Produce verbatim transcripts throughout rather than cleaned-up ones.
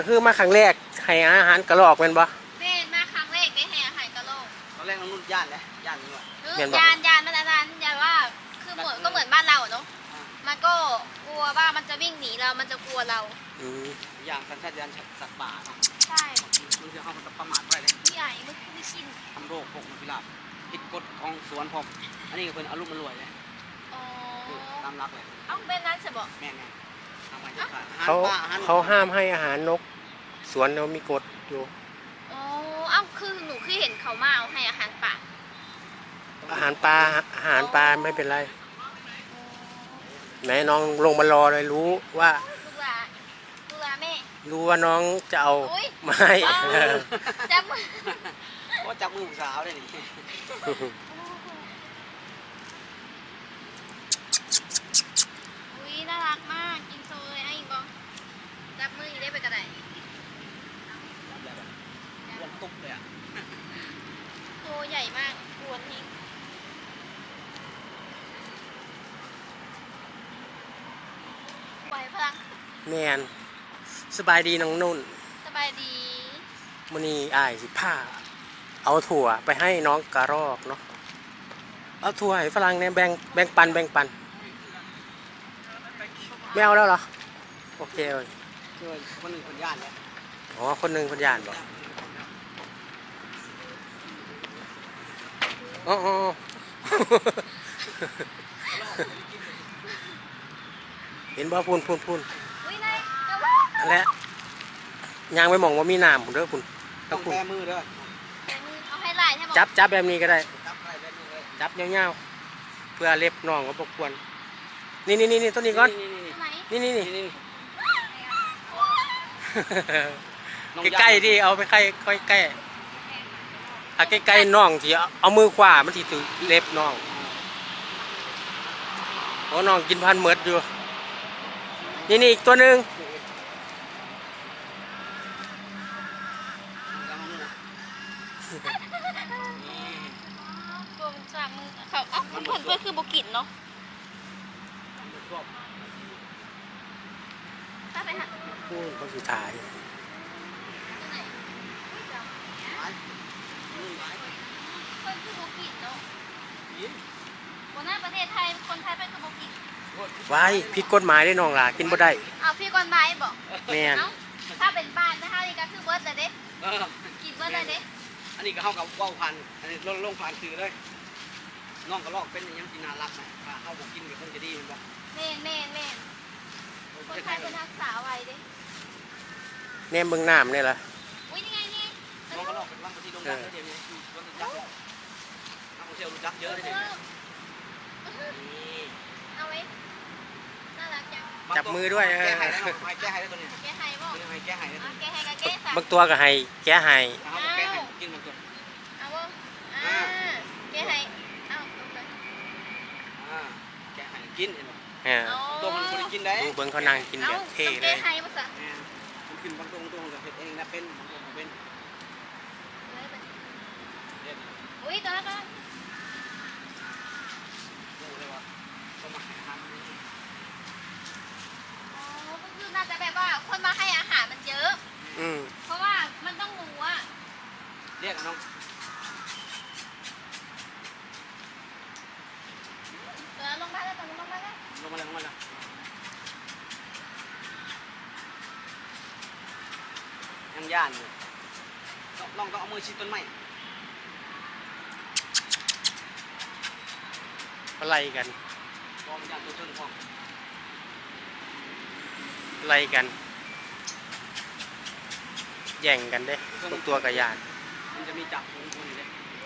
คือมาครั้งแรกให้อาหารกระรอกเป็นบ่แม่มาครั้งแรกได้ให้อาหารกระโหลกตอนแรกน้องนุ่นย่านเลยย่านนี่ว่ะยานยานมันอาจารย์ยานว่าคือเหมือนก็เหมือนบ้านเราเนาะมันก็กลัวว่ามันจะวิ่งหนีเรามันจะกลัวเราอย่างสัญชาตญาณสัตว์ป่าเนาะใช่มันจะเข้ามาประมาทไว้เลยผู้ใหญ่มันไม่กินทำโรคพวกนกพิราบผิดกฎของสวนผมอันนี้ก็เป็นอารมณ์มันรวยเลยตามรักเลยเอ้าเป็นนั้นใช่บ่แม่ไงทำไมจะขาดเขาเขาห้ามให้อาหารนกสวนเรามีกฎอยู่อ๋อเอ้าคือหนูคือเห็นเขามาเอาให้อาหารป่าอาหารปลาอาหารปลาไม่เป็นไรไหนน้องลงมารอเลยรู้ว่าลูกหลานลูกหลานแม่รู้ว่าน้องจะเอาไม่จับมือว่าจับมือสาวได้นี่อุ้ยน่ารักมากกินโซเลยไอ้บอจับมือได้ไปกระไดวนตุ๊บเลยอ่ะตัวใหญ่มากกวนทิ้งไหวพลังแมนสบายดีน้องนุ่นสบายดีมื้อนี้อ้ายสิพาเอาถั่วไปให้น้องกระรอกเนาะเอาถั่วให้ฝรั่งเนี่ยแบ่งแบ่งปันแบ่งปันไม่เอาแล้วเหรอโอเคเลยคนหนึ่งคนย่านเนี่ยอ๋อคนหนึ่งคนย่านบอกอ๋อเห็นบ่พูนพูนพูนอะไรยางไปมองว่ามีน้ำผมเด้อคุณต้องแบมือเด้อเอาให้ไล่ให้บอกจับจับแบบนี้ก็ได้จับเงี้ยวๆเพื่อเล็บน้องก็บกวนนี่นี่นี่ต้นนี้ก่อนนี่นี่นี่ใกล้ๆดิเอาไปใกล้ค่อยใกล้ถ้าใกล้ๆน้องที่เอามือขวามันที่ถือเล็บน้องโอ้น้องกินพันเมิดอยู่นี่นี่อีกตัวหนึ่งตัวมันจากมือเขาเอ้ามันผลเพื่อคือบุกินเนาะถ้าไปหาพูดเขาสุดท้ายคนคือบุกินเนาะคนหน้าประเทศไทยคนไทยเป็นคือบุกินไว้ผิดกฎหมายได้น้องล่ะกินบ่ได้เอาพี่กฎหมายบอกแม่นถ้าเป็นบ้านนะคะนี่ก็คือเบิร์ดเลยเด้กินเบิร์ดเลยเด้อันนี้ก็เข้ากับว่าวพันอันนี้ลงลงผ่านคือเลยน้องกระรอกเป็นยังกินน่ารักนะถ้าเข้าบอกกินกับคนจะดีมันบอกเม่นเม่นเม่นคนไทยเป็นทักษะไว้เด้แนมเบิ่งน้ำนี่ล่ะอุ้ยนี่ไงนี่น้องกระรอกเป็นว่างที่โด่งดังเดี๋ยวนี้รถจักรนักท่องเที่ยวรู้จักเยอะเลยเนี่ยเอาไว้น่ารักจังจับมือด้วยแก้ไขได้แก้ไขได้ตัวนี้แก้ไขบ่แก้ไขได้แก้ไขกับแก้บางตัวก็ให้แก้ให้แก้ไขกินบางตัวเอาบ่อ่าแก้ไขเอาอ่าแก้ไขกินเห็นบ่ตัวมันคนกินได้เบิ่งเขานั่งกินแบบเท่เลยแก้ไขบ่ซะมันกินบางตัวบางตัวก็เฮ็ดเองนะเป็นบางตัวก็เป็นอุ้ยตัวนั้นก็น่าจะแบบว่าคนมาให้อาหารมันเยอะอืมเพราะว่ามันต้องรู้ว่าเรียกน้องเออลงมาแล้วลงมาแล้วลงมาแล้วลงมาแล้วยังย่านอยู่ลองต้องเอามือชิดต้นไม้อะไรกันลองย่านตัวต้นพอไล่กันแย่งกันเด้ตัวตัวกับยานมันจะมีจับคนคนนี้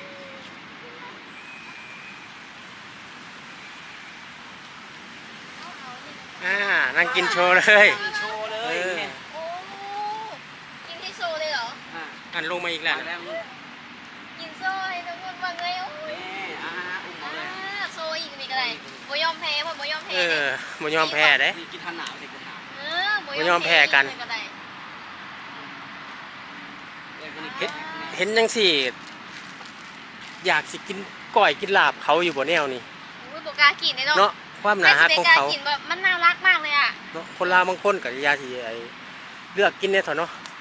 อ่านั่งกินโชว์เลยโชว์เลยโอ้กินที่โชว์เลยเหรออันลงมาอีกแล้วกินโชว์ให้ทุกคนฟังเลยโอ้ยอ่าอุ้มเลยโชว์อีกนี่ก็ได้โมยอมแพ้หมดโมยอมแพ้เออโมยอมแพ้เด้กินทันหนาวเด็กไม่ยอมแพ้กันเห็นยังสิอยากสิกินก้อยกินลาบเขาอยู่บนแนวนี่อุ้ยโบกากินเนาะความหนาฮักของเขามันน่ารักมากเลยอ่ะเนาะคนลาวบางคนกับยาที่ไอเลือกกินเนี่ยเถอะเนาะ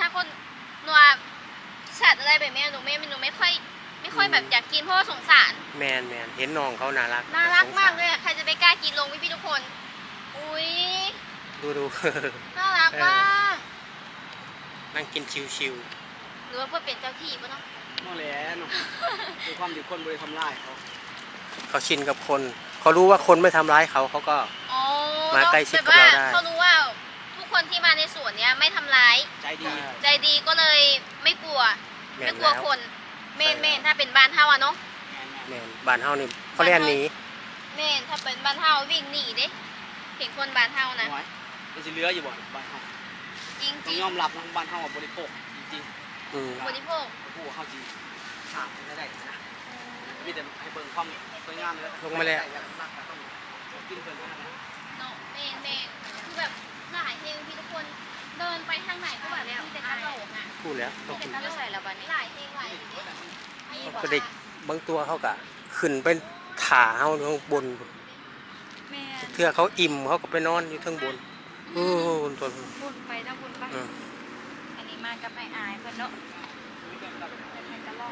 คนหนูว่าสัตว์อะไรแบบนี้หนูไม่หนูไม่ค่อยไม่ค่อยแบบอยากกินเพราะว่าสงสารแมนแมนเห็นน้องเขาน่ารักน่ารักสงสมากเลยอะใครจะไปกล้ากินลงพี่พี่ๆทุกคน อุ้ยดูดูน่ารักมากนั่งกินชิวหรือว่าเพื่อเป็นเจ้าที่ปะเนาะนั่นแหละเนาะคือความที่คนบริทำลายเขาๆเขาชินกับคน เขารู้ว่าคนไม่ทำร้ายเขาเขาก็อ๋อมาใกล้ชิดกับแบบเราว่าได้เขารู้ว่าทุกคนที่มาในสวนเนี้ยไม่ทำร้ายใจดีใจดีก็เลยไม่กลัวแมไม่นกลัวแล้วคนเมนเมนถ้าเป็นบ้านเฮาอะเนาะแมนบ้านเฮานี่เขาเล่นหนีเมนถ้าเป็นบ้านเฮาวิ่งหนีเด้เห็นคนบ้านเฮานะไว้มันจะเหลืออยู่บ่บ้านเฮาจริงต้จองริงยอมรับนะบ้านเฮาบริโภคจริงอืมบริโภคๆผู้เฮาจริงขาดไม่ได้นะมีแต่ให้เบิ่งความสวยงามแล้วลงมาแล้วรักก็ต้องกินเพิ่นเท่านั้นนะเนาะเมนเมนคือแบบหลายเพลงพี่ทุกคนเดินไปทางไหนก็แบบมีแต่กระโหลกอ่ะพูดแล้วมีแต่กระโหลกใส่ละบัดนี้หลายเพลงหลายเพลงเขาก็ได้บางตัวเขาก็ขึ้นเป็นถ่าเฮาข้างบนแม่เทื่อเขาอิ่มเขาก็ไปนอนอยู่ข้างบนโอ้โหตัวบุญไปนะบุญไปอืมอันนี้มากับไอ้อายเพิ่นเนาะให้กระลอก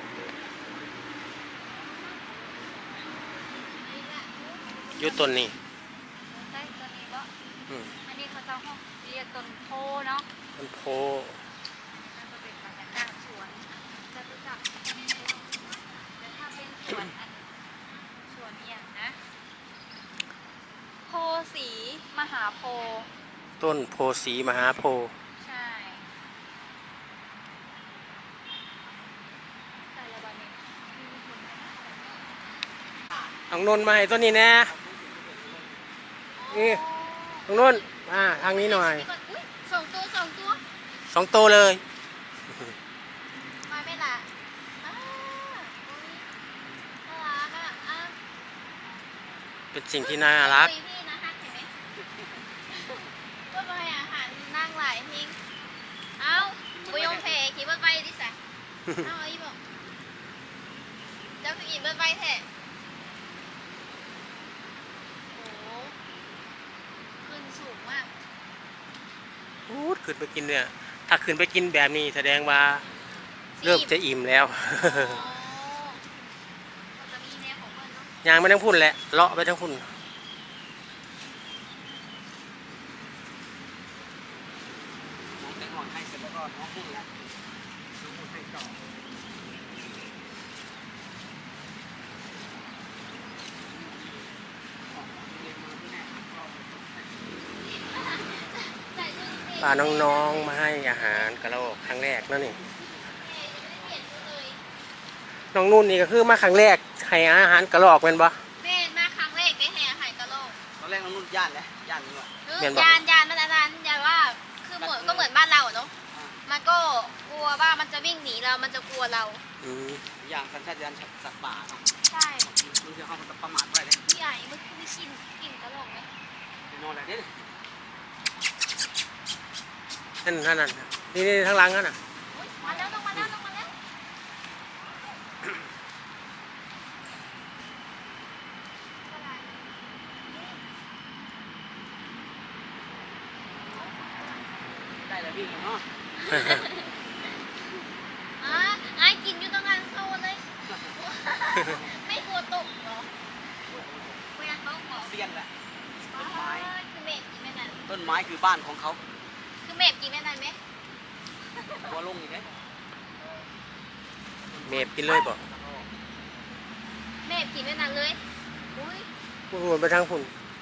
อยู่ต้นนี้ได้ตัวนี้บ่อืมอันนี้เขาจะห้องเรียกต้นโพเนาะมันโพมันจะเป็นบรรยากาศสวนจะรู้จักต้นโพแต่ถ้าเป็นสวนอันสวนเอียงนะโพสีมหาโพธิ์ต้นโพสีมหาโพธิ์ใช่แต่ละวันนี้มีผลไหมนะน้องนนท์มาให้ต้นนี้แน่นี่น้องนนท์มาทางนี้หน่อยอุ๊ยสองตัวสองตัวสองโตวเลยมาไม่ละอ้าอุ๊ยน่ารักอ่ะอ่ะเป็นสิ่งที่น่ารักคุยพี่นะฮักเห็นไหมว่าไปอาหารนั่งหลายทิ้งเอ้าบุยงเพคิดว่าไปดิสะเอ้าเอาอีบอกเจ้าคืออิ่มเบิดไปแท้โอ้โหขึ้นสูงมากพูดขึ้นไปกินเนี่ย ถ้าขึ้นไปกินแบบนี้แสดงว่าเริ่มจะอิ่มแล้วอ๋อมันจะมีแนวของมันเนาะยางไม่ต้องพุ่นแหละเลาะไปทั้งพุ่นน้องแต่ก่อนให้เสร็จแล้วก็น้องพูดแล้วน้องพูดให้ต่อใส่ชุดเด็กพาน้องๆมาให้อาหารกระรอกครั้งแรกแล้วนี่ยังไม่ได้เปลี่ยนชุดเลยน้องนุ่นนี่ก็คือมาครั้งแรกให้อาหารกระรอกเป็นปะแม่มาครั้งแรกได้แห่อาหารกะโหลกตอนแรกน้องนุ่นย่านแหละย่านนี่ว่ะเออเปลี่ยนบ่ยานยานมันอาจารย์ยานว่าคือเหมือนก็เหมือนบ้านเราอะเนาะอ่ามันก็กลัวว่ามันจะวิ่งหนีเรา มันจะกลัวเราอืมอย่างสัญชาตญาณสัตว์ป่าเนาะใช่มันจะเข้ามาประมาทไปเลยพี่ใหญ่เมื่อกี้ได้กินกินกะโหลกไหมแน่นอนแหละเนี่ยนั่นนั่นนั่นนี่นี่ทางหลังนั่นน่ะอุ๊ยมาแล้วต้องมาแล้วต้องมาแล้วอะไรได้แล้ววิ่งเนาะอ่ะไอ้กินอยู่ตรงนั้นโซนเลย ไม่กลัวตกเหรอเวลาเขาบอกเซียนแหละอ๋อต้นไม้คือเมฆกินแม่นั้นต้นไม้คือบ้านของเขาคือเมฆกินแม่นั้นไหมหัวลงอีกไหมเมฟกินเลยบ่เมฆกินแม่นั้นเลยอุ้ยพุ่นไปทางพุ่น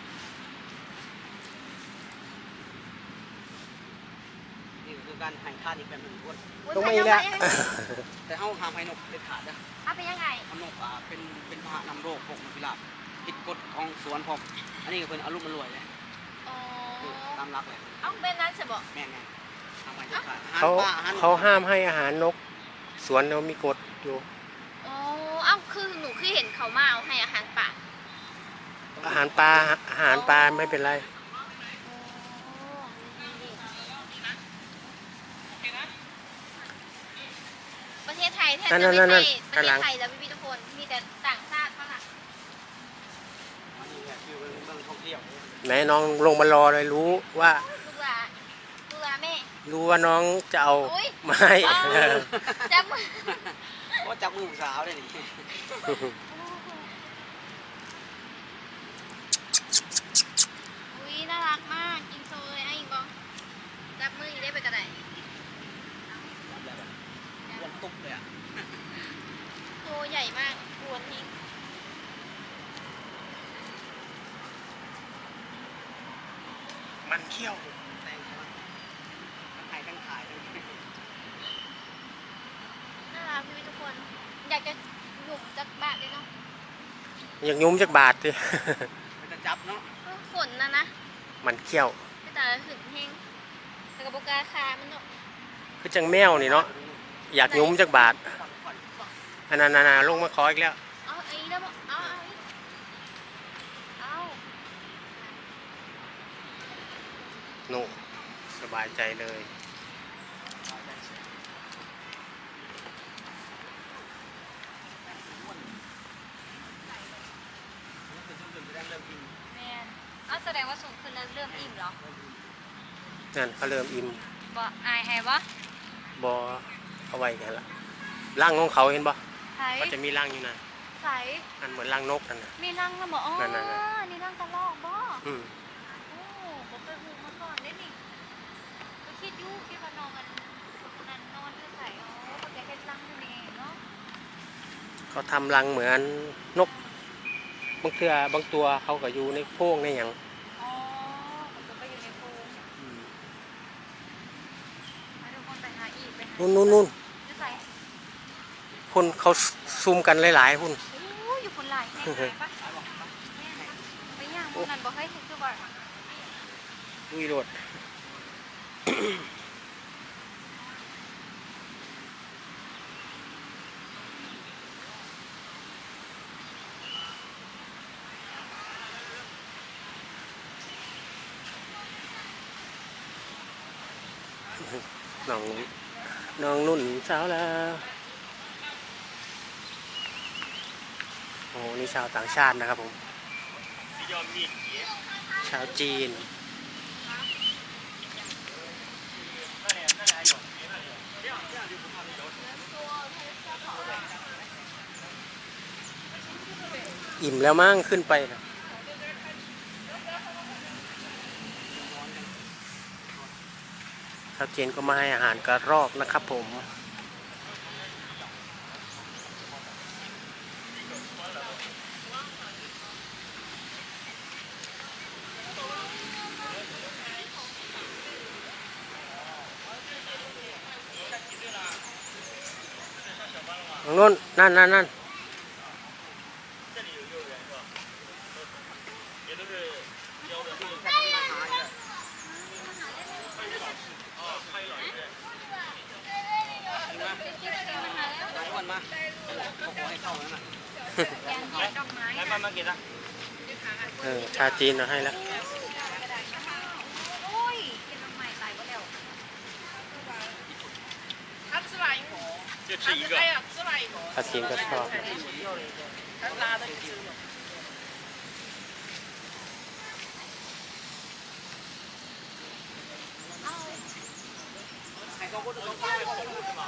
นี่คือการให้ทานอีกแบบหนึ่งคนอุ๊ยลงไปมาอีกแล้แล้ว วไปแล้วแต่เขาห้ามให้นกเด็ดขาดนะเอาไปยังไงทำนกอ่าเป็นเป็นพาหะนำโรคพวกนกพิราบผิดกฎของสวนผมอันนี้ก็เป็นอารมณ์มันรวยเลยอ๋อคือตามรักเลยเอาเป็นนั้นจะบอกแม่งไงทำไมจะขาดอาหารเขาป่าอาหารเขาห้ามให้อาหารนก สวนเรามีกฎอยู่อ๋อเอ้าคือหนูคือเห็นเขามาเอาให้อาหารป่าอาหารปลาอาหารปลาไม่เป็นไรประเทศไทยแทบนั่จะนไม่นั่นใช่นั่นประเทศไทยแล้วพี่ๆทุกคน มีแต่ต่างชาติเท่านั้นอันนี้เนี่ยคือเป็นเมืองท่องเที่ยวไหนน้องลงมารอเลยรู้ว่าลูกหลานลูกหลานแม่รู้ว่าน้องจะเอาโอ๊ยไม้จับมือว่าจับมือผู้สาวได้นี่อุ้ยน่ารักมากกินโซเลยไอ้ยิงบองจับมืออีได้ไปกระไดรวมตุ๊บเลยอ่ะตัวใหญ่มากกวนทิ้งมันเขี้ยวแตงทั้งขายทั้งขายทั้งน่ารักพี่ทุกคน อยากจะหยุ่มจักบาทเลยเนาะอยากยุ้มจากบาทดิมันจะจับเนาะเออฝนนะนะมันเขี้ยวไม่แต่หึงแห้งแต่กระบอกกาคามันเนาะคือจังแมวนี่เนาะอยากยุ้มจากบาทอันนั้นนาลงมาขออีกแล้วเอาไอ้แล้วบอกเอาเอาอีกเอาหนุ่มสบายใจเลยแมนเอาแสดงว่าสูงขึ้นแล้วเริ่มอิ่มเหรอนั่นเขาเริ่มอิ่มบ่อายให้วะบอเอาไว้กันละร่างของเขาเห็นบ่ใส่เขาจะมีร่างอยู่นะใส่อันเหมือนร่างนกนั่นนะมีรังแล้วบ่อ๋อนั่นๆๆนี่รังกระรอกบ่อืมโอ้ผมเคยหูมาก่อนได้นี่ก็คิดอยู่คิดว่านอนกันนั่นนอนจะใส่อ๋อเขาจะให้รังนั่นเองเนาะเขาทำรังเหมือนนกบางเทือบางตัวเขาก็อยู่ในโพรงในอย่างอ๋อผมจะไปอยู่ในโพรงมาทุกคนไปหาอีกไปหานู่นนู่นนู่นจะใส่คนเขาซุ่มกันหลายๆหุ่นโอ้อยู่คนหลายแห่งไหนปะแม่นปะไปย่างพวกนั้นบอกให้คือว่าดุยโดด น้องน้องนุ่นสาวแล้วโอ้นี่ชาวต่างชาตินะครับผมชาวจีนอิ่มแล้วมั้งขึ้นไปนะชาวจีนก็มาให้อาหารกระรอกนะครับผมตรงนู้นนั่นนั่นนั่นมาทุกคนมาเขาขอให้เข้าแล้วนะแกงเห็ดดอกไม้อะเออชาจีนเราให้แล้วโอ้ยเห็ดดอกไม้ตายก็แล้ว他吃完一口， 就吃一个哎呀，吃完一口， ชาจีนก็ชอบ他拉的你吃了。 ให้เขาพูดเขาพูดให้เขาพูดมา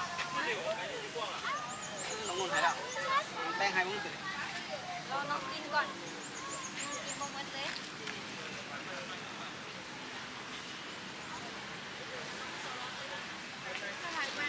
น้องนุ่นให้แล้วแป้งให้มึงสิรอน้องกินก่อนน้องกินบ่หมดเลยน่ารักมาก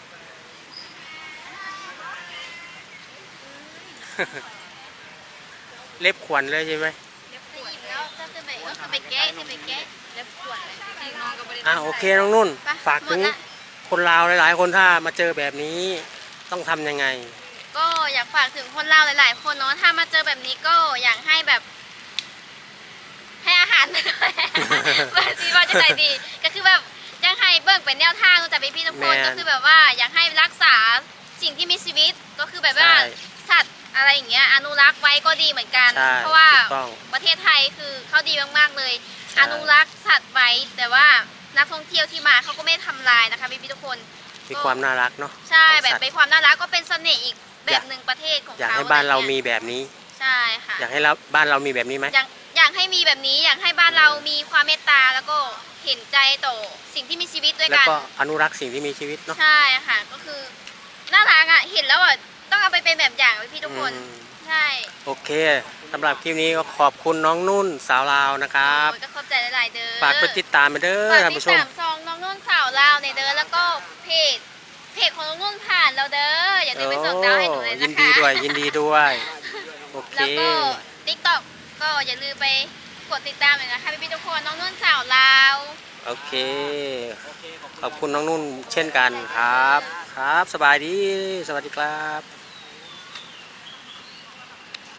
เล็บขวัญเลยใช่ไหมเล็บขวดแล้วก็จะไปก็จะไปแกะจะไปแกะเล็บขวดเลยจริงน้องก็ไม่ได้อ่ะโอเคน้องนุ่นไปฝากถึงหมดละคนลาวหลายๆ คนถ้ามาเจอแบบนี้ต้องทำยังไงก็อยากฝากถึงคนลาวหลาย ๆ คนเนาะถ้ามาเจอแบบนี้ก็อยากให้แบบ ให้อาหารมาด้วย แบบที่ว่าจะใจดี ก็คือแบบอยากให้เบิ่งเป็นแนวทางจากพี่ๆทุกคนแม่นก็คือแบบว่าอยากให้รักษาสิ่งที่มีชีวิตก็คือแบบว่าใช่สัตว์อะไรอย่างเงี้ยอนุรักษ์ไว้ก็ดีเหมือนกันใช่เพราะว่าถูกต้องประเทศไทยคือเขาดีมากๆเลยใช่อนุรักษ์สัตว์ไว้แต่ว่านักท่องเที่ยวที่มาเขาก็ไม่ทำลายนะคะพี่ๆทุกคนมีความน่ารักเนาะใช่ของแบบสัตว์เป็นความน่ารักก็เป็นเสน่ห์อีกแบบหนึ่งประเทศของอยากเขาให้บ้านเราอะไรมีงี้ยแบบนี้ใช่ค่ะอยากให้เราบ้านเรามีแบบนี้ไหมอยากอยากให้มีแบบนี้อยากให้บ้านเรามีความเมตตาแล้วก็เห็นใจต่อสิ่งที่มีชีวิตด้วยแล้วกันก็อนุรักษ์สิ่งที่มีชีวิตเนาะใช่ค่ะก็คือน่ารักอ่ะเห็นแล้วอ่ะต้องเอาไปเป็นแบบอย่างไว้พี่ทุกคนอืมใช่โอเคสำหรับคลิปนี้ก็ขอบคุณน้องนุ่นสาวลาวนะครับโอ้ยก็เข้าใจหลายๆเด้อฝากไปติดตามไปเด้อฝากท่านติดผู้ชมตามซองน้องนุ่นสาวลาวในเด้อแล้วก็เพจเพจของน้องนุ่นผ่านเราเด้ออย่าลืมไปส่งดาวให้หนูเลยยินะนคะดีด้วยยินดีด้วยโอเคแล้วก็ติ๊กต็อกก็อย่าลืมไปกดติดตามเลยนะคะพี่ๆทุกคนน้องนุ่นสาวลาวโอเคโอเคขอบคุณน้องนุ่นเช่นกันครับ ครับสบายดีสวัสดีครับ